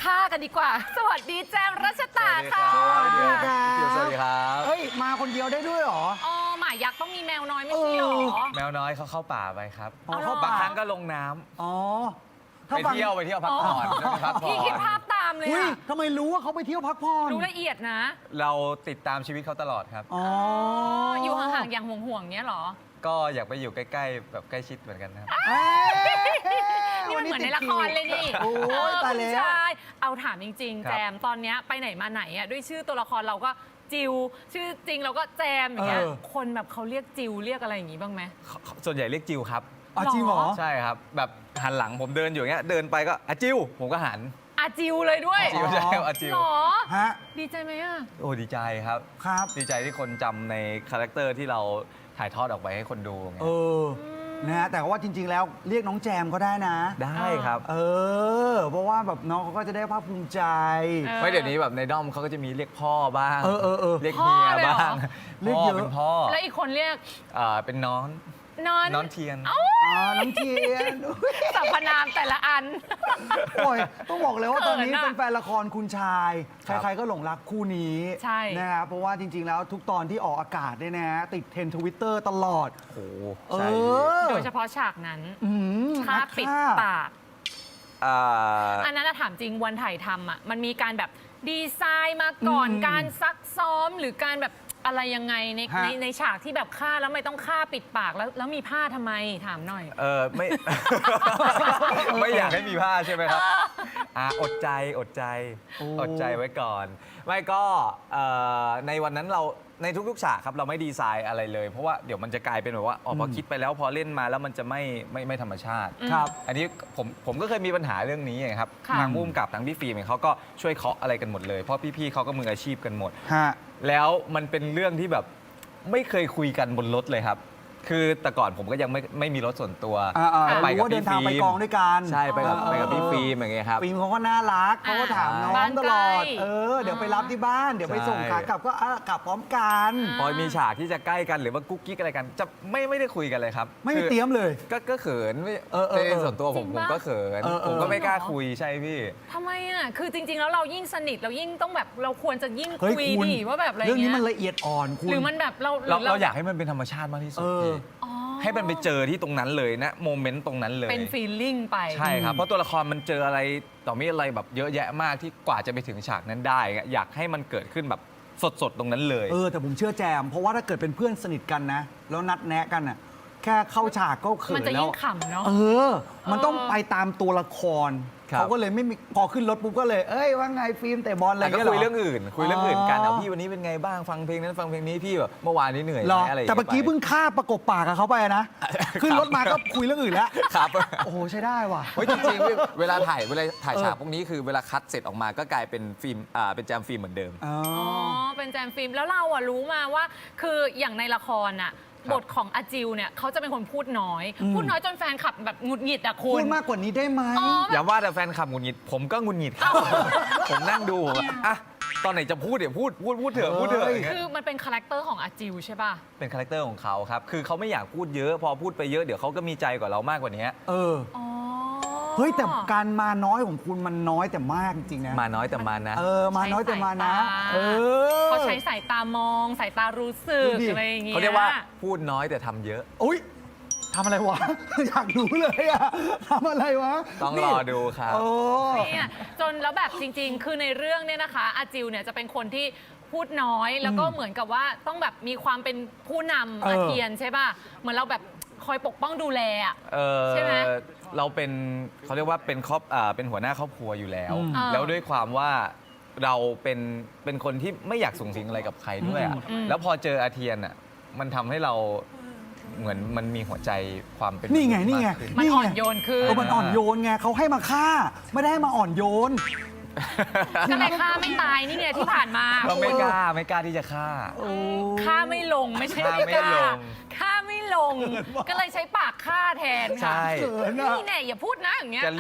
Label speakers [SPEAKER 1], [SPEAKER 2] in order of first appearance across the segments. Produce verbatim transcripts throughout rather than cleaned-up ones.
[SPEAKER 1] ฆ่ากันดีกว่าสวัสดีแจมรัชตาค่ะ
[SPEAKER 2] สวัสดีครับ
[SPEAKER 3] สวัสดีครับ
[SPEAKER 2] เฮ้ยมาคนเดียวได้ด้วยเหรอ
[SPEAKER 1] อ๋อหมายักษ์ต้องมีแมวน้อยไม่ใช่หรอ
[SPEAKER 3] แมวน้อยเขาเข้าป่าไปครับ
[SPEAKER 2] อ๋อเข้า
[SPEAKER 3] บาง
[SPEAKER 2] ป่า
[SPEAKER 3] ครั้งก็ลงน้ำ
[SPEAKER 2] อ๋อ
[SPEAKER 3] ไปเที่ยวไปเที่ยวพักผ่อนไปพักผ่อ
[SPEAKER 1] พี่คิด
[SPEAKER 3] น
[SPEAKER 1] ภาพตามเลย
[SPEAKER 2] อุ้ย
[SPEAKER 1] อะ
[SPEAKER 2] ทำไมรู้ว่าเขาไปเที่ยวพักผ่อน
[SPEAKER 1] รู้ละเอียดนะ
[SPEAKER 3] เราติดตามชีวิตเขาตลอดครับ
[SPEAKER 2] อ๋อ
[SPEAKER 1] อยู่ห่างๆอย่างห่วงๆเนี้ยเหรอ
[SPEAKER 3] ก็อยากไปอยู่ใกล้ๆแบบใกล้ชิดเหมือนกันครับ
[SPEAKER 2] เอ้ย
[SPEAKER 1] นี่มันเหมือนในละครเลยนี่
[SPEAKER 2] โอ้
[SPEAKER 1] เอย อ
[SPEAKER 2] ตาย
[SPEAKER 1] คุณ
[SPEAKER 2] แล้ว
[SPEAKER 1] ชายเอาถามจริง ๆ
[SPEAKER 3] ครับ
[SPEAKER 1] แจมตอนเนี้ยไปไหนมาไหนอ่ะด้วยชื่อตัวละครเราก็จิว ชื่อจริงเราก็แจมอย่างเงี้ย
[SPEAKER 2] เออ
[SPEAKER 1] คนแบบเขาเรียกจิวเรียกอะไรอย่างงี้บ้างไหม
[SPEAKER 3] เขาเขาส่วนใหญ่เรียกจิวครับ
[SPEAKER 2] อ๋อจริงเหรอ
[SPEAKER 1] หรอ
[SPEAKER 3] ใช่ครับ แบบหันหลังผมเดินอยู่อย่างเงี้ยเดินไปก็อะจิวผมก็หัน
[SPEAKER 1] อาจิวเลยด้วย
[SPEAKER 3] จิวใช่ครับอะจิว
[SPEAKER 1] หรอ
[SPEAKER 2] ฮะ
[SPEAKER 1] ดีใจไหมอ่ะ
[SPEAKER 3] โอ้ดีใจครับ
[SPEAKER 2] ครับ
[SPEAKER 3] ดีใจที่คนจำในคาแรคเตอร์ที่เราถ่ายทอดออกไปให้คนดูไง
[SPEAKER 2] เออ นะฮะ แต่ว่าจริง ๆ แล้วเรียกน้องแจมก็ได้นะ
[SPEAKER 3] ได้ครับ
[SPEAKER 2] เออ เพราะว่าแบบน้องเขาก็จะได้ภาคภูมิใจ
[SPEAKER 1] เออ
[SPEAKER 3] ไม่เดี๋ยวนี้แบบในด้อมเขาก็จะมีเรียกพ่อบ้าง
[SPEAKER 2] เออเออเออ
[SPEAKER 3] เรียกเฮีย
[SPEAKER 1] พ่อเลยเหรอ
[SPEAKER 3] บ้าง
[SPEAKER 2] เรียก
[SPEAKER 3] พ่อ
[SPEAKER 2] เยอะ
[SPEAKER 3] เป็นพ่อ
[SPEAKER 1] แล้วอีกคนเรียก
[SPEAKER 3] อ่าเป็นน้อง
[SPEAKER 1] นอน
[SPEAKER 3] น้องเทียน
[SPEAKER 2] อ๋อ น้องเทียน
[SPEAKER 1] สรรพนามแต่ละอัน
[SPEAKER 2] โอ้ยต้องบอกเลยว่าตอนนี้
[SPEAKER 1] เขินอะ
[SPEAKER 2] เป็นแฟนละครคุณชาย
[SPEAKER 3] ครับ
[SPEAKER 2] ใครๆก็หลงรักคู่นี้
[SPEAKER 1] ใช่
[SPEAKER 2] นะครับเพราะว่าจริง ๆ แล้วทุกตอนที่ออกอากาศเนี่ยนะฮะติดเทรนทวิตเตอร์ Twitter ตลอด
[SPEAKER 3] โอ้โห
[SPEAKER 2] เอ
[SPEAKER 3] ใช่
[SPEAKER 2] อ
[SPEAKER 1] โดยเฉพาะฉากนั้น
[SPEAKER 2] อืม
[SPEAKER 1] ฆ่า
[SPEAKER 2] นัก
[SPEAKER 1] ปิด
[SPEAKER 2] ฆ่
[SPEAKER 1] ปาก
[SPEAKER 3] อ่า
[SPEAKER 1] อันนั้นนะถามจริงวันถ่ายทำอ่ะมันมีการแบบดีไซน์มาก่อน
[SPEAKER 2] อืม
[SPEAKER 1] การซักซ้อมหรือการแบบอะไรยังไงใน
[SPEAKER 2] ฮะ
[SPEAKER 1] ในในฉากที่แบบฆ่าแล้วไม่ต้องฆ่าปิดปากแล้วแล้วมีผ้าทำไมถามหน่อย
[SPEAKER 3] เออไม่ ไม่อยากให้มีผ้าใช่ไหมครับอ่าอดใจอดใจ
[SPEAKER 2] โอ้
[SPEAKER 3] อดใจไว้ก่อน ไม่ก็เอ่อในวันนั้นเราในทุกๆฉากครับเราไม่ดีไซน์อะไรเลย เพราะว่าเดี๋ยวมันจะกลายเป็นแบบว่าอ๋อพอคิดไปแล้วพอเล่นมาแล้วมันจะไม่ไม่ไม่ธรรมชาติ
[SPEAKER 2] ครับ
[SPEAKER 3] อันนี้ผมผมก็เคยมีปัญหาเรื่องนี้ไงครับ
[SPEAKER 1] ค่ะ
[SPEAKER 3] ทางผู้กำกับทางพี่ฟิล์มเนี่ยเขาก็ช่วยเคาะอะไรกันหมดเลยเพราะพี่ๆเขาก็มืออาชีพกันหมด
[SPEAKER 2] ฮะ
[SPEAKER 3] แล้วมันเป็นเรื่องที่แบบไม่เคยคุยกันบนรถเลยครับ คือแต่ก่อนผมก็ยังไม่ไม่มีรถส่วนตัว
[SPEAKER 2] อ่าๆ
[SPEAKER 3] ก็ไป
[SPEAKER 2] รู้
[SPEAKER 3] กับ
[SPEAKER 2] ว่าเดิ
[SPEAKER 3] พี่
[SPEAKER 2] นทาง
[SPEAKER 3] ฟิ
[SPEAKER 2] ไป
[SPEAKER 3] ล์
[SPEAKER 2] ก
[SPEAKER 3] ม
[SPEAKER 2] องด้วยกัน
[SPEAKER 3] ใช่ไปกับ
[SPEAKER 1] อ๋อ
[SPEAKER 3] ไปกับพี่ฟิล์มอย่างเงี้ยครับ
[SPEAKER 2] ฟิล์มเขาก็น่ารักเขาก็ถามน้อง
[SPEAKER 1] บ้าน
[SPEAKER 2] ตลอด
[SPEAKER 1] ใกล้
[SPEAKER 2] เออ เดี๋ยวไปรับที่บ้าน เดี๋ยวไปส่ง
[SPEAKER 3] ใช่
[SPEAKER 2] ขากลับก็อ่ะกลับพร้อมกัน
[SPEAKER 3] พอมีฉากที่จะใกล้กันหรือว่ากุ๊กกิ๊กอะไรกัน จะไม่ไม่ได้คุยกันเลยครับ
[SPEAKER 2] ไม่มี
[SPEAKER 3] คือ
[SPEAKER 2] เตรียมเลย
[SPEAKER 3] ก็ก็เขินไม่
[SPEAKER 2] เออเออเออ
[SPEAKER 3] ในส่วนตัวผม
[SPEAKER 1] จริง
[SPEAKER 3] ผม
[SPEAKER 1] ปะ
[SPEAKER 3] ก็เขิน
[SPEAKER 2] เออเออ
[SPEAKER 3] ผมก็ไม่กล้า
[SPEAKER 1] จริงเหรอ
[SPEAKER 3] คุยใช่พี่
[SPEAKER 1] ทำไมอ่ะคือจริง ๆ แล้วเรายิ่งสนิทเรายิ่งต้องแบบเราควรจะยิ่ง
[SPEAKER 2] เฮ้ย
[SPEAKER 1] คุย
[SPEAKER 2] คุณ
[SPEAKER 1] ดีว่าแบบอะไร
[SPEAKER 2] เรื่องนี้
[SPEAKER 1] เงี้ย
[SPEAKER 2] มันละเอียดอ่อนคุณ
[SPEAKER 1] หรือมันแบบเราห
[SPEAKER 3] เรา
[SPEAKER 1] อ
[SPEAKER 3] เราอยากให้มันเป็นธรรมชาติมากที่สุด
[SPEAKER 2] เออ
[SPEAKER 3] พี่
[SPEAKER 1] อ๋อ
[SPEAKER 3] ให้มันไปเจอที่ตรงนั้นเลยนะโมเมนต์ตรงนั้นเลย
[SPEAKER 1] เป็นฟีลลิ่งไป
[SPEAKER 3] ใช่ครับ
[SPEAKER 2] อืม
[SPEAKER 3] เพราะตัวละครมันเจออะไรต่อมีอะไรแบบเยอะแยะมากที่กว่าจะไปถึงฉากนั้นได้อะอยากให้มันเกิดขึ้นแบบสดๆตรงนั้นเลย
[SPEAKER 2] เออ แต่ผมเชื่อแจม เพราะว่าถ้าเกิดเป็นเพื่อนสนิทกันนะ แล้วนัดแนะกันอ่ะ แค่เข้าฉากก็เขิ
[SPEAKER 1] มัน
[SPEAKER 2] น
[SPEAKER 1] จะ
[SPEAKER 2] แล้
[SPEAKER 1] ยิ่
[SPEAKER 2] ว
[SPEAKER 1] งขำเนาะ
[SPEAKER 2] เออ มันต้อง
[SPEAKER 1] เออ
[SPEAKER 2] ไปตามตัวละคร
[SPEAKER 3] ครับ
[SPEAKER 2] เขาก็เลยไม่มีพอขึ้นรถปุ๊บก็เลย เอ้ยว่าไงฟิล์มเตะบอลอะไร
[SPEAKER 3] แต่ก็
[SPEAKER 2] เงี้ย
[SPEAKER 3] คุย
[SPEAKER 2] ห
[SPEAKER 3] เรื่องอื่น คุยเรื่องอื่นกัน
[SPEAKER 2] อ๋อ
[SPEAKER 3] เอาพี่วันนี้เป็นไงบ้างฟังเพลงนั้นฟังเพลงนี้พี่แบบเมื่อวานนี้เหนื่อยไห
[SPEAKER 2] หร
[SPEAKER 3] ม
[SPEAKER 2] อ
[SPEAKER 3] อะไรอย่าง
[SPEAKER 2] แต่
[SPEAKER 3] เงี้ย
[SPEAKER 2] เมื่อกี้
[SPEAKER 3] ไป
[SPEAKER 2] เพิ่งฆ่าประกบปากกับเขาไปนะ ขึ้นรถมาก็คุยเรื่องอื่นแล้ว
[SPEAKER 3] ครับ
[SPEAKER 2] โอ้โห ใช้ได้ว่ะ
[SPEAKER 3] เฮ้ยจริงๆเวลาถ่ายเวลาถ่ายฉากพวกนี้คือเวลาคัดเสร็จออกมาก็กลายเป็นฟิล์มอ่าเป็นแจมฟิล์มเหมือนเดิม
[SPEAKER 2] อ๋อ
[SPEAKER 1] อ๋อ เป็นแจมฟิล์มแล้วเราอะรู้มาว่า คืออย่างในละครอะ
[SPEAKER 3] ครับ
[SPEAKER 1] บทของอาจิวเนี่ยเขาจะเป็นคนพูดน้อย
[SPEAKER 2] อืม
[SPEAKER 1] พูดน้อยจนแฟนคลับแบบหงุดหงิดอะคุ
[SPEAKER 2] พู
[SPEAKER 1] ณ
[SPEAKER 2] ดมากกว่านี้ได้ไหม
[SPEAKER 1] อ๋อ
[SPEAKER 3] อย่าว่าแต่แฟนคลับหงุดหงิดผมก็หงุดหงิดครับ ผมนั่งดูผมอะอ่ะตอนไหนจะพูดเดี๋ยวพูดพูดพูดเถอะพูดเถอะ
[SPEAKER 2] เฮ้ย
[SPEAKER 3] อย่างเงี้ย
[SPEAKER 1] คือมันเป็นคาแรคเตอร์ของอาจิวใช่ป่ะ
[SPEAKER 3] เป็นคาแรคเตอร์ของเขาครับ คือเขาไม่อยากพูดเยอะ พอพูดไปเยอะเดี๋ยวเขาก็มีใจกว่าเรามากกว่านี้
[SPEAKER 2] เออ
[SPEAKER 1] อ๋อ
[SPEAKER 2] เฮ้ย แต่การมาน้อยของคุณมันน้อยแต่มากจริงๆนะ
[SPEAKER 3] มาน้อยแต่มานะ
[SPEAKER 2] เออ มาน้อยแต่มานะ
[SPEAKER 1] ใช้สายตา
[SPEAKER 2] เออ
[SPEAKER 1] เขาใช้สายตามอง สายตารู้สึก
[SPEAKER 2] ดูดิ
[SPEAKER 1] อะไรอย่างเงี้ย
[SPEAKER 3] เขาเรียกว่าพูดน้อยแต่ทำเยอะ
[SPEAKER 2] อุ้ยทำอะไรวะ อยากรู้เลยอะทำอะไรวะ
[SPEAKER 3] ต้องรอดูครับ
[SPEAKER 2] โอ้
[SPEAKER 1] เนี่ยจนแล้วแบบจริง ๆ คือในเรื่องเนี่ยนะคะอาจิวเนี่ยจะเป็นคนที่พูดน้อย แล้วก็เหมือนกับว่าต้องแบบมีความเป็นผู้นำ
[SPEAKER 2] เออ
[SPEAKER 1] อาเทียนใช่ป่ะ เหมือนเราแบบคอยปกป้องดูแลอะ
[SPEAKER 3] เออ
[SPEAKER 1] ใช่ไหม
[SPEAKER 3] เราเป็นเขาเรียกว่าเป็นครอบอ่าเป็นหัวหน้าครอบครัวอยู่แล้ว
[SPEAKER 2] อืม
[SPEAKER 1] อ่า
[SPEAKER 3] แล้วด้วยความว่าเราเป็นเป็นคนที่ไม่อยากสูงสิงอะไรกับใครด้วยอะ
[SPEAKER 1] อืม
[SPEAKER 3] แล้วพอเจออาเทียนอ่ะมันทำให้เราเหมือนมันมีหัวใจความเป็น
[SPEAKER 2] นี่ไงนี่ไง
[SPEAKER 3] มากขึ้
[SPEAKER 1] มัน
[SPEAKER 2] นี่
[SPEAKER 1] อ่
[SPEAKER 2] ไง
[SPEAKER 1] อนโยนขึ้น
[SPEAKER 2] เออมันอ่อนโยนไงเขาให้มาฆ่า ไม่ได้ให้มาอ่อนโยน
[SPEAKER 1] ก็เลยฆ่าไม่ตายนี่ไงที่ผ่านมา
[SPEAKER 3] เราไม่กล้าไม่กล้าที่จะฆ่า
[SPEAKER 1] ฆ่าไม่ลงไม่ใช่
[SPEAKER 3] ฆ่าไม่
[SPEAKER 1] กล้า
[SPEAKER 3] ลง
[SPEAKER 1] ฆ่าไม่ลง ก็เลยใช้ปากฆ่าแทน
[SPEAKER 3] ใช่
[SPEAKER 1] ค่ะนี่แน่อย่าพูดนะอย่างเงี้ย
[SPEAKER 3] จะเรียก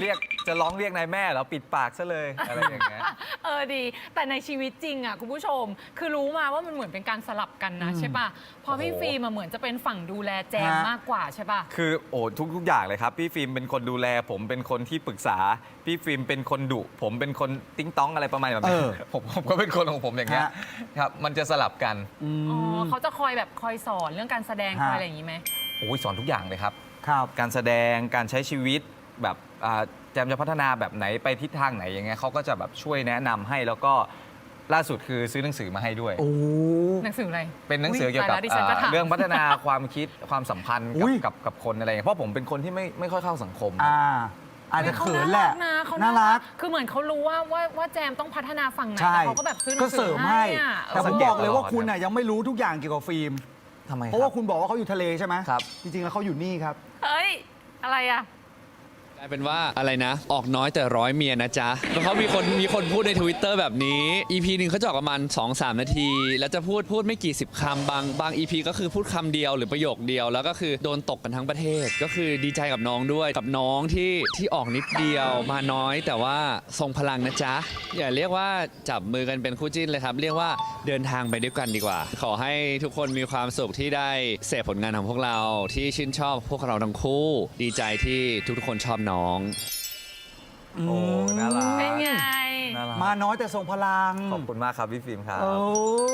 [SPEAKER 3] จะร้องเรียกนายแม่เหรอปิดปากซะเลยอะไรอย่างเงี้ย
[SPEAKER 1] เออดี แต่ในชีวิตจริงอ่ะคุณผู้ชม คือรู้มาว่ามันเหมือนเป็นการสลับกันนะใช่ป่ะเพอพี่
[SPEAKER 3] โอ้โห
[SPEAKER 1] ฟิล์มอะเหมือนจะเป็นฝั่งดูแลแจม
[SPEAKER 2] ฮะ
[SPEAKER 1] มากกว่าใช่ป่ะ
[SPEAKER 3] คือโอ้ทุกทุกอย่างเลยครับพี่ฟิล์มเป็นคนดูแล ผมเป็นคนที่ปรึกษาพี่ฟิล์มเป็นคนดุผมเป็นคนติ้งต้องอะไรประมาณแบบนี้
[SPEAKER 2] เออ
[SPEAKER 3] ผมผมก็เป็นคนของผมอย่างเงี้ย
[SPEAKER 2] ฮะ
[SPEAKER 3] ครับมันจะสลับกัน
[SPEAKER 2] อืม
[SPEAKER 1] อ๋อเขาจะคอยแบบคอยสอนเรื่องการแสดง
[SPEAKER 2] ฮะ
[SPEAKER 1] คอยอะไรอย่างนี้ไหม
[SPEAKER 3] โอ้ยสอนทุกอย่างเลยครับ
[SPEAKER 2] ครับ
[SPEAKER 3] การแสดงการใช้ชีวิตแบบอ่าแจมจะพัฒนาแบบไหนไปทิศทางไหนอย่างเงี้ยเขาก็จะแบบช่วยแนะนำให้แล้วก็ล่าสุดคือซื้อหนังสือมาให้ด้วย
[SPEAKER 2] โอ้
[SPEAKER 1] หนังสืออะไร
[SPEAKER 3] เป็นหนังสือเกี่ยวกับ
[SPEAKER 1] ตาแล้ดิฉันก็
[SPEAKER 3] อ่า
[SPEAKER 1] ถาม
[SPEAKER 3] เรื่องพัฒนาความคิดความสัมพันธ์
[SPEAKER 2] อุ๊
[SPEAKER 3] กับ
[SPEAKER 2] ย
[SPEAKER 3] กับกับคนอะไรอย่างเงี้ยเพราะผมเป็นคนที่ไม่ไม่ค่อยเข้าสังคม
[SPEAKER 2] อ่า อาจจะเขินแหละ
[SPEAKER 1] นะเขา
[SPEAKER 2] น่ารัก
[SPEAKER 1] คือเหมือนเขารู้ว่าว่าว่าแจมต้องพัฒนาฝั่งไหน
[SPEAKER 2] ใช่
[SPEAKER 1] แล้วเขาก็แบบซื้อหนั
[SPEAKER 2] ก็
[SPEAKER 1] งสื
[SPEAKER 2] เสริ
[SPEAKER 1] อ
[SPEAKER 2] ม
[SPEAKER 1] ให้
[SPEAKER 2] ให้
[SPEAKER 1] อะ
[SPEAKER 2] แต่ผม
[SPEAKER 3] สังเกต
[SPEAKER 2] บอกเลยว่า
[SPEAKER 3] ตลอด
[SPEAKER 2] คุณน่ะยังไม่รู้ทุกอย่างเกี่ยวกับฟิล์ม
[SPEAKER 3] ทำไม
[SPEAKER 2] เพราะว่าคุณบอกว่าเขาอยู่ทะเลใช่ไหม
[SPEAKER 3] ครับ
[SPEAKER 2] จริงๆแล้วเขาอยู่นี่ครับ
[SPEAKER 1] เฮ้ย อะไรอ่ะ
[SPEAKER 4] กลายเป็นว่าอะไรนะ ออกน้อยแต่ร้อยเมียนะจ๊ะแล้วเขามีคนมีคนพูดใน Twitter แบบนี้ อี พี หนึ่งเขาจะออกประมาณ สองถึงสาม นาที แล้วจะพูดพูดไม่กี่สิบคำบางบาง อี พี ก็คือพูดคำเดียวหรือประโยคเดียว แล้วก็คือโดนตกกันทั้งประเทศ ก็คือดีใจกับน้องด้วยกับน้องที่ที่ออกนิดเดียวมาน้อยแต่ว่าทรงพลังนะจ๊ะ อย่าเรียกว่าจับมือกันเป็นคู่จิ้นเลยครับ เรียกว่าเดินทางไปด้วยกันดีกว่า ขอให้ทุกคนมีความสุขที่ได้เสพผลงานของพวกเราที่ชื่นชอบพวกเราทั้งคู่ ดีใจที่ทุกๆคนชอบน้อง
[SPEAKER 3] โอ้น่ารัก
[SPEAKER 1] เป็นไง
[SPEAKER 3] น่ารัก
[SPEAKER 2] มาน้อยแต่ทรงพลัง
[SPEAKER 3] ขอบคุณมากครับพี่ฟิล์มครับ
[SPEAKER 2] โอ้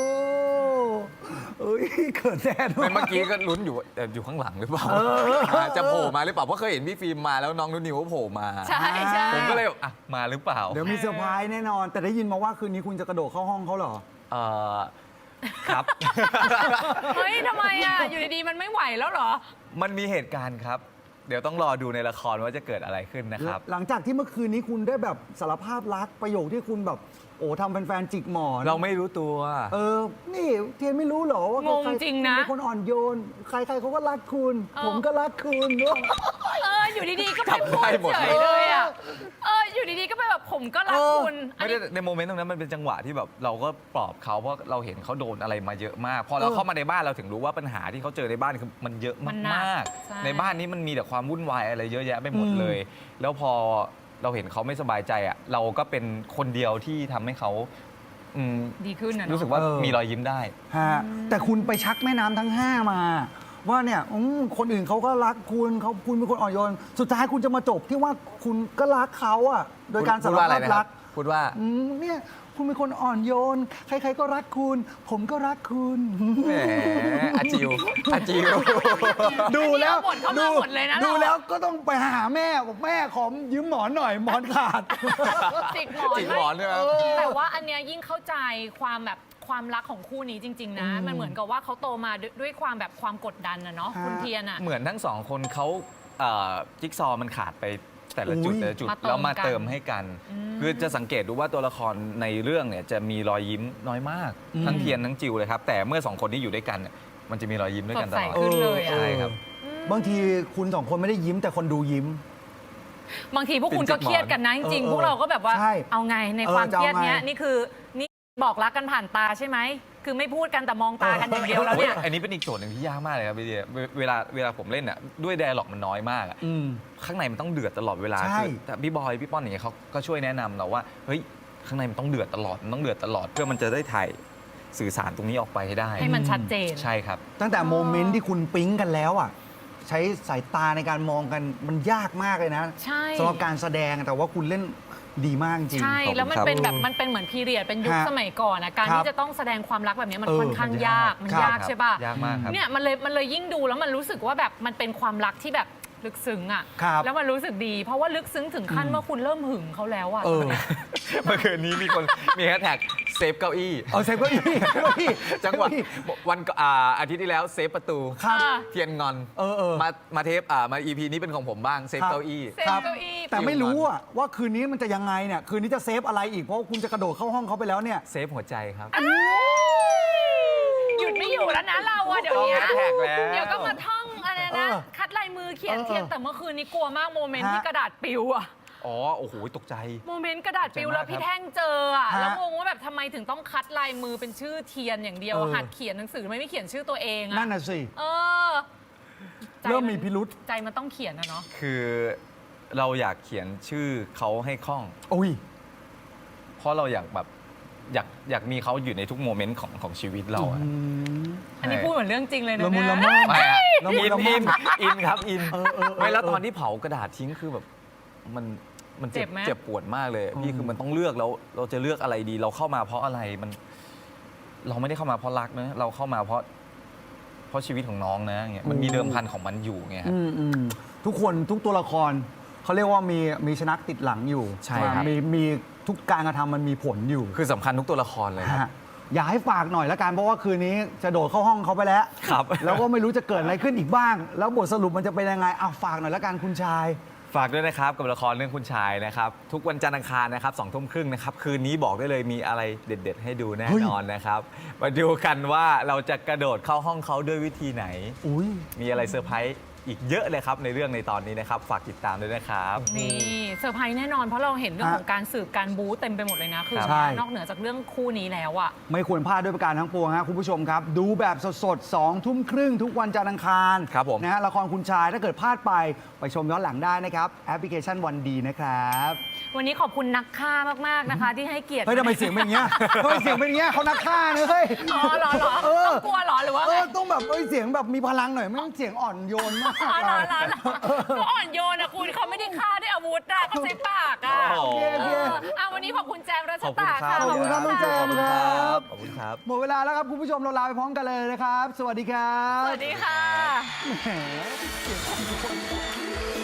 [SPEAKER 2] เอ้ยเขินแทนว่ะ
[SPEAKER 3] เมื่อกี้ก็ลุ้นอยู่ว่าเอ่ออยู่ข้างหลังหรือเปล่าาจะโผล่มาหรือเปล่าเพราะเคยเห็นพี่ฟิล์มมาแล้วน้องนุ่นนิวก็โผล่มา
[SPEAKER 1] ใช่ใช่
[SPEAKER 3] ผมก็เลยแบบอ่ะมาหรือเปล่า
[SPEAKER 2] เดี๋ยวมีเซอร์ไพรส์แน่นอน แต่ได้ยินมาว่าคืนนี้คุณจะกระโดดเข้าห้องเขาเหรอ
[SPEAKER 3] เอ่อครับ
[SPEAKER 1] เฮ้ยทำไมอ่ะ อยู่ดีๆ มันไม่ไหวแล้วเหรอ
[SPEAKER 3] มันมีเหตุการณ์ครับ เดี๋ยวต้องรอดูในละครว่าจะเกิดอะไรขึ้นนะครับ
[SPEAKER 2] หลังจากที่เมื่อคืนนี้คุณได้แบบสารภาพรักประโยคที่คุณแบบ โอ้ทำแฟนๆจิกหมอน
[SPEAKER 3] เราไม่รู้ตัว
[SPEAKER 2] เออ นี่เทียนไม่รู้เหรอว่าง
[SPEAKER 1] งจริงนะ
[SPEAKER 2] คุณเป็นคนอ่อนโยน ใครๆเขาก็รักคุณ
[SPEAKER 1] เออ
[SPEAKER 2] ผมก็รักคุณเนอะ
[SPEAKER 1] เออ อยู่ดีๆ ก็ไป
[SPEAKER 3] จับ
[SPEAKER 1] พูด
[SPEAKER 3] ได้หมด
[SPEAKER 1] เฉยเลยอ่ะ เออ อยู่ดีๆ ก็ไปแบบผมก็รักคุณ อัน
[SPEAKER 3] ไม่ได้
[SPEAKER 1] นี้
[SPEAKER 3] ในโมเมนต์ตรงนั้นมันเป็นจังหวะที่แบบเราก็ปลอบเขาเพราะเราเห็นเขาโดนอะไรมาเยอะมาก พอเรา
[SPEAKER 2] เออ
[SPEAKER 3] เข้ามาในบ้านเราถึงรู้ว่าปัญหาที่เขาเจอในบ้านคือมันเยอะ
[SPEAKER 1] มันหนั
[SPEAKER 3] มาก
[SPEAKER 1] กใช่
[SPEAKER 3] ๆในบ้านนี้มันมีแต่ความวุ่นวายอะไรเยอะแยะไปหมดเลย แล้วพอเราเห็นเขาไม่สบายใจอ่ะเราก็เป็นคนเดียวที่ทำให้เขาอืม
[SPEAKER 1] ดีขึ้นนะเนอะ
[SPEAKER 3] รู้สึกว่า
[SPEAKER 2] เออ
[SPEAKER 3] มีรอยยิ้มได้
[SPEAKER 2] ฮะแต่คุณไปชักแม่น้ำทั้งห้ามา ว่าเนี่ยอืมคนอื่นเขาก็รักคุณเขาคุณเป็นคนอ่อนโยน สุดท้ายคุณจะมาจบที่ว่าคุณก็รักเขาอะโดยการ
[SPEAKER 3] พู
[SPEAKER 2] สา
[SPEAKER 3] ด
[SPEAKER 2] ร
[SPEAKER 3] ว่าอะไร
[SPEAKER 2] ภาพ
[SPEAKER 3] นะค
[SPEAKER 2] รั
[SPEAKER 3] รั
[SPEAKER 2] ก
[SPEAKER 3] บพูดว่า
[SPEAKER 2] อืมเนี่ยคุณเป็นคนอ่อนโยน ใคร ๆก็รักคุณ ผมก็รักคุณ
[SPEAKER 3] แหมอาจิวอาจิว
[SPEAKER 2] ดูแล้ว
[SPEAKER 1] อันนี้เอาบทเข้ามาหมดเลยนะ
[SPEAKER 2] ดู
[SPEAKER 1] เรา
[SPEAKER 2] แล้วก็ต้องไปหาแม่บอกแม่ขอยืมหมอนหน่อยหมอนขาด
[SPEAKER 1] จิกหมอน
[SPEAKER 3] จิกหมอนด้วยครับ
[SPEAKER 1] แต่ว่าอันเนี้ยยิ่งเข้าใจความแบบความรักของคู่นี้จริง ๆ นะ
[SPEAKER 2] อืม
[SPEAKER 1] มันเหมือนกับว่าเขาโตมาด้วยด้วยความแบบความกดดันนะเนาะ
[SPEAKER 2] ฮะ
[SPEAKER 1] คุณเทียนอะ
[SPEAKER 3] เหมือนทั้งสองคนเขาเอ่อจิ๊กซอว์มันขาดไปแต่ละจุด
[SPEAKER 2] อุ๊ย
[SPEAKER 3] แต่ละจุด
[SPEAKER 1] มาเติม
[SPEAKER 3] แล้วมา
[SPEAKER 1] กัน
[SPEAKER 3] เติมให้กัน
[SPEAKER 1] อืม
[SPEAKER 3] คือจะสังเกตดูว่าตัวละครในเรื่องเนี่ยจะมีรอยยิ้มน้อยมาก
[SPEAKER 2] อืม
[SPEAKER 3] ทั้งเทียนทั้งจิวเลยครับ แต่เมื่อสองคนนี้อยู่ด้วยกันเนี่ยมันจะมีรอยยิ้มด้วยกันต
[SPEAKER 1] สดใส
[SPEAKER 3] ลอด
[SPEAKER 1] ขึ้นเลยอะ
[SPEAKER 3] ใช่ครับ
[SPEAKER 2] บางทีคุณสองคนไม่ได้ยิ้มแต่คนดูยิ้ม
[SPEAKER 1] บางทีพวกคุณก็เครียดกันนะจริง
[SPEAKER 2] เออ
[SPEAKER 1] ๆพวกเราก็แบบว่า
[SPEAKER 2] ใช่
[SPEAKER 1] เอาไงใน
[SPEAKER 2] เออ
[SPEAKER 1] ความ
[SPEAKER 2] จะ
[SPEAKER 1] เค
[SPEAKER 2] เอา
[SPEAKER 1] รียดเนี้ย
[SPEAKER 2] ไง
[SPEAKER 1] นี่คือนี่บอกรักกันผ่านตาใช่ไหมคือไม่พูดกันแต่มองตากันอย่างเดียวแล้วเนี่ย
[SPEAKER 3] อันนี้เป็นอีกโจทย์หนึ่งที่ยากมากเลยครับพี่เดียเวเวลาเวลาผมเล่นอ่ะด้วยไดอะล็อกมันน้อยมากอะ
[SPEAKER 2] อืม
[SPEAKER 3] ข้างในมันต้องเดือดตลอดเวลา
[SPEAKER 2] ใช่
[SPEAKER 3] คือแต่พี่บอยพี่ป้อนอย่างเงี้ยเขาก็ช่วยแนะนำเราว่าเฮ้ยข้างในมันต้องเดือดตลอดมันต้องเดือดตลอดเพื่อมันจะได้ถ่ายสื่อสารตรงนี้ออกไปให้ได้
[SPEAKER 1] ให้มันชัดเจน
[SPEAKER 3] ใช่ครับ
[SPEAKER 2] ตั้งแต่โมเมนต์ที่คุณปิ๊งกันแล้วอ่ะ ใช้สายตาในการมองกันมันยากมากเลยนะ
[SPEAKER 1] ใช่
[SPEAKER 2] สำหรับการแสดงแต่ว่าคุณเล่นดีมากจริง
[SPEAKER 1] ใช่
[SPEAKER 3] ขอบคุณ
[SPEAKER 1] แล้วมัน
[SPEAKER 3] ครับ
[SPEAKER 1] เป็นแบบมันเป็นเหมือนพีเรียดเป็นยุค
[SPEAKER 2] ฮะ
[SPEAKER 1] สมัยก่อนนะการ
[SPEAKER 2] ครับ
[SPEAKER 1] ที่จะต้องแสดงความรักแบบนี้มัน
[SPEAKER 2] เออ
[SPEAKER 1] ค่อนข้างยากมัน
[SPEAKER 2] ครับ
[SPEAKER 1] ยากใช่ป่ะ
[SPEAKER 3] ยากมากครับ
[SPEAKER 1] เนี่ยมันเลยมันเลยยิ่งดูแล้วมันรู้สึกว่าแบบมันเป็นความรักที่แบบลึกซึ้งอ่ะ
[SPEAKER 2] ครับ
[SPEAKER 1] แล้วมันรู้สึกดี เพราะว่าลึกซึ้งถึงขั้นว่าคุณเริ่มหึงเขาแล้วอ่ะ
[SPEAKER 2] เออ
[SPEAKER 3] เมื่อคืนนี้มีคนมีแฮชแท็กเซฟเก้าอี้
[SPEAKER 2] เอาเซฟเก็อีเก้าอี้
[SPEAKER 3] จังหวะวันก่อนอ่าอาทิตย์ที่แล้วเซฟประตู
[SPEAKER 2] ครับ
[SPEAKER 1] อ่า
[SPEAKER 3] เทียนงอน
[SPEAKER 2] เออเออ
[SPEAKER 3] มามาเทปอ่ามา อี พี นี้เป็นของผมบ้างเซฟ
[SPEAKER 2] ครับ
[SPEAKER 3] เก้าอี้
[SPEAKER 1] เซฟ
[SPEAKER 2] ครับ
[SPEAKER 1] เก้าอี้
[SPEAKER 2] แต่ไม่รู้อะว่าคืนนี้มันจะยังไงเนี่ย คืนนี้จะเซฟอะไรอีก เพราะว่าคุณจะกระโดดเข้าห้องเขาไปแล้วเนี่ย
[SPEAKER 3] เซฟหัวใจครับ
[SPEAKER 1] หยุดไม่อยู่แล้วนะเราอะเดี๋ยวนี้
[SPEAKER 3] ต้องแฮชแท็กแล้ว
[SPEAKER 1] เดี๋ยวก็มาท่องอะไรนะ
[SPEAKER 2] เออ
[SPEAKER 1] คัดลายมือเขียน
[SPEAKER 2] เออ
[SPEAKER 1] เทียนแต่เมื่อคืนนี้กลัวมากโมเมนต์
[SPEAKER 2] ฮะ
[SPEAKER 1] ที่กระดาษปลิวอะ
[SPEAKER 3] อ๋อ โอ้โห ตกใจ
[SPEAKER 1] โมเมนต์กระดาษปลิว
[SPEAKER 3] เจ๋งมาก
[SPEAKER 1] แล้วพี่
[SPEAKER 3] ครับ
[SPEAKER 1] แท่งเจออะ
[SPEAKER 2] ฮะ
[SPEAKER 1] แล้วงงว่าแบบทำไมถึงต้องคัดลายมือเป็นชื่อเทียนอย่างเดียว
[SPEAKER 2] เออ
[SPEAKER 1] หัดเขียนหนังสือไม่ไม่เขียนชื่อตัวเองอะ
[SPEAKER 2] นั่นน่ะสิ
[SPEAKER 1] เออใจ
[SPEAKER 2] เริ่มมีพิรุษ
[SPEAKER 1] ใจมันต้องเขียนนะเนาะ
[SPEAKER 3] คือเราอยากเขียนชื่อเขาให้คล่อง
[SPEAKER 2] อุ้ย
[SPEAKER 3] เพราะเราอยากแบบอยากอยากมีเขาอยู่ในทุกโมเมนต์ของของชีวิตเราอะ
[SPEAKER 1] อันนี้พูดเหมือนเรื่องจริงเลยนะ
[SPEAKER 2] ละมุน
[SPEAKER 1] เนี่ย
[SPEAKER 2] ละม่อม
[SPEAKER 3] ไม่อะ
[SPEAKER 2] ละมุ
[SPEAKER 3] อิ
[SPEAKER 2] น
[SPEAKER 3] น
[SPEAKER 2] ละม่
[SPEAKER 3] อิ
[SPEAKER 2] อม
[SPEAKER 3] นอินครับอิน
[SPEAKER 2] เออเออเออ
[SPEAKER 3] ไม่แล้วตอนที่เผากระดาษทิ้งคือแบบมันมันเจ็บ
[SPEAKER 1] เจ็บไหม
[SPEAKER 3] เจ็บปวดมากเลย
[SPEAKER 2] อืม
[SPEAKER 3] พี่คือมันต้องเลือกแล้วเราจะเลือกอะไรดี เราเข้ามาเพราะอะไรมัน เราไม่ได้เข้ามาเพราะรักนะเราเข้ามาเพราะ เพราะชีวิตของน้องนะเงี้ยมันมีเดิมพันของมันอยู่ไงครับ
[SPEAKER 2] อืมอืมทุกคนทุกตัวละครเขาเรียกว่ามีมีชนักติดหลังอยู่
[SPEAKER 3] ใช่ครับ
[SPEAKER 2] มีมีทุกการกระทำมันมีผลอยู่
[SPEAKER 3] คือสำคัญทุกตัวละครเลยครับ
[SPEAKER 2] ฮะอยากให้ฝากหน่อยละกันเพราะว่าคืนนี้จะโดดเข้าห้องเขาไปแล้ว
[SPEAKER 3] ครับ
[SPEAKER 2] แล้วก็ไม่รู้จะเกิดอะไรขึ้นอีกบ้าง แล้วบทสรุปมันจะเป็นยังไงอ่ะฝากหน่อยละกันคุณชาย
[SPEAKER 3] ฝากด้วยนะครับกับละครเรื่องคุณชายนะครับ ทุกวันจันทร์อังคารนะครับสองทุ่มครึ่งนะครับ คืนนี้บอกได้เลยมีอะไรเด็ด ๆ ให้ดูแน่
[SPEAKER 2] เฮ้ย
[SPEAKER 3] นอนนะครับ มาดูกันว่าเราจะกระโดดเข้าห้องเขาด้วยวิธีไหน
[SPEAKER 2] อุ้ย
[SPEAKER 3] มีอะไรเซอร์ไพรส์อีกเยอะเลยครับในเรื่องในตอนนี้นะครับ ฝากติดตามด้วยนะครับ
[SPEAKER 1] นี่เซอร์ไพรส์แน่นอนเพราะเราเห็นเรื่อง
[SPEAKER 2] ฮะ
[SPEAKER 1] ของการสืบการบู๊เต็มไปหมดเลยนะ คือ
[SPEAKER 2] ใช่
[SPEAKER 1] นอกเหนือจากเรื่องคู่นี้แล้วอะ
[SPEAKER 2] ไม่ควรพลาดด้วยประการทั้งปวงฮะคุณผู้ชมครับ ดูแบบสดๆสองทุ่มครึ่งทุกวันจันทร์อังคาร
[SPEAKER 3] ครับผม
[SPEAKER 2] นะฮะละครคุณชายถ้าเกิดพลาดไปไปชมย้อนหลังได้นะครับ แอปพลิเคชันวันดีนะครับ
[SPEAKER 1] วันนี้ขอบคุณนักฆ่ามากๆนะคะ ที่ให้เกียรติ
[SPEAKER 2] เฮ้ยทำไมเสียงเป็นอย่างเงี้ยทำไมเสียงเป็นอย่างเงี้ยเขานักฆ่าเนอะเฮ้ย
[SPEAKER 1] อ๋อเหรอเหรอ
[SPEAKER 2] เออ
[SPEAKER 1] ต้องกลัวเหรอหรือว่า
[SPEAKER 2] เอ
[SPEAKER 1] ไง
[SPEAKER 2] อต้องแบบเอ้ยเสียงแบบมีพลังหน่อยไม่ต้องเสียงอ่อนโยนมาก
[SPEAKER 1] อ๋อเหรอเหรอ
[SPEAKER 2] อะ
[SPEAKER 1] เหรอเขาอ่อนโยนนะคุณเขาไม่ได้ฆ่าด้วยอาวุธอะเขาใช้ปากอะ
[SPEAKER 3] โอ้โห
[SPEAKER 2] โอเคโอเค
[SPEAKER 1] เอออ่ะวันนี้ขอบคุณแจมรัช
[SPEAKER 3] ขอบคุณ
[SPEAKER 1] ตา
[SPEAKER 3] ครั
[SPEAKER 1] ค่ะ
[SPEAKER 3] บ
[SPEAKER 2] ขอบคุณครับน้องแจม
[SPEAKER 3] ขอบคุณค
[SPEAKER 2] ครั
[SPEAKER 3] รับ บขอบคุณครับ
[SPEAKER 2] หมดเวลาแล้วครับคุณผู้ชมเราลาไปพร้อมกันเลยนะครับ สวัสดีครับ
[SPEAKER 1] สวัสดีค่ะ
[SPEAKER 2] แหมเสียงอ่อนโยน